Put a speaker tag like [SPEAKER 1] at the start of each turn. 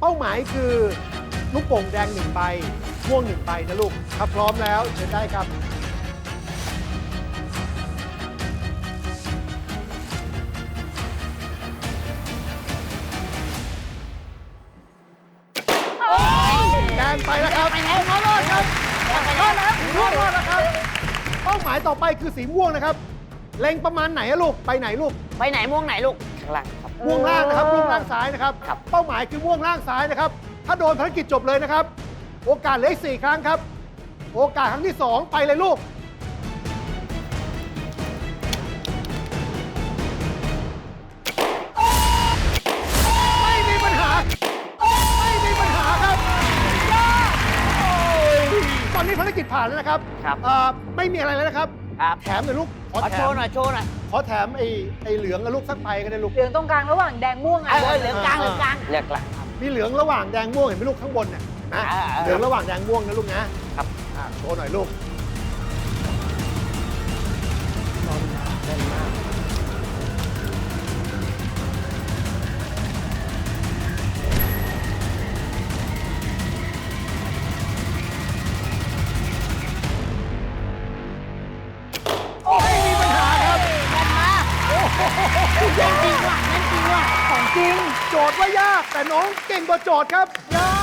[SPEAKER 1] เป้าหมายคือลูกโป่งแดง1 ใบม่วง1 ใบนะลูกถ้าพร้อมแล้วเชิญได้ครับแดงไปแล้วครับน้องรอดครับรอดแล้วรอดแล้วครับเป้าหมายต่อไปคือสีม่วงนะครับเล็งประมาณไหนอะลูกไปไหนลูก
[SPEAKER 2] ไปไหนม่วงไหนลูกข้างล่างครับ
[SPEAKER 1] ม่วงล่างนะครับม่วงล่างซ้ายนะครับ
[SPEAKER 2] ครับ
[SPEAKER 1] เป้าหมายคือม่วงล่างซ้ายนะครับถ้าโดนภารกิจจบเลยนะครับโอกาสเหลืออีก4 ครั้งครับโอกาสครั้งที่ 2 ไปเลยลูกไม่มีปัญหาไม่มีปัญหาครับตอนนี้ภารกิจผ่านแล้วนะครับ
[SPEAKER 2] ครับ
[SPEAKER 1] ไม่มีอะไรแล้วนะครับ
[SPEAKER 2] ครับ
[SPEAKER 1] แถมหน่อยลูกขอ
[SPEAKER 2] ขอ
[SPEAKER 1] แถ
[SPEAKER 2] โช
[SPEAKER 1] ม
[SPEAKER 2] ว์หน่อยโชว์หน่อย
[SPEAKER 1] ขอแถมไอ้เหลืองกับลูกสักใบก็ได้ลูก
[SPEAKER 3] เหลืองตรงกลางระหว่างแดงม่วง
[SPEAKER 2] เหลืองกลางเหลืองกลางเหลืองกลางครับ
[SPEAKER 1] มีเหลืองระหว่างแดงม่วงเห็นไหมลูกข้างบนเนี่ยเห็นไหม เหลืองระหว่างแดงม่วงนะลูกนะครับ โชว์หน่อยลูกไม่มีปัญหาครับ
[SPEAKER 2] แม่นมากโอ้โหแม่นจริงว่ะแม่นจริงว่ะ
[SPEAKER 3] ของจริง
[SPEAKER 1] โจทย์ว่ายากแต่น้องเก่งกว่าโจทย์ครับ
[SPEAKER 2] ยอ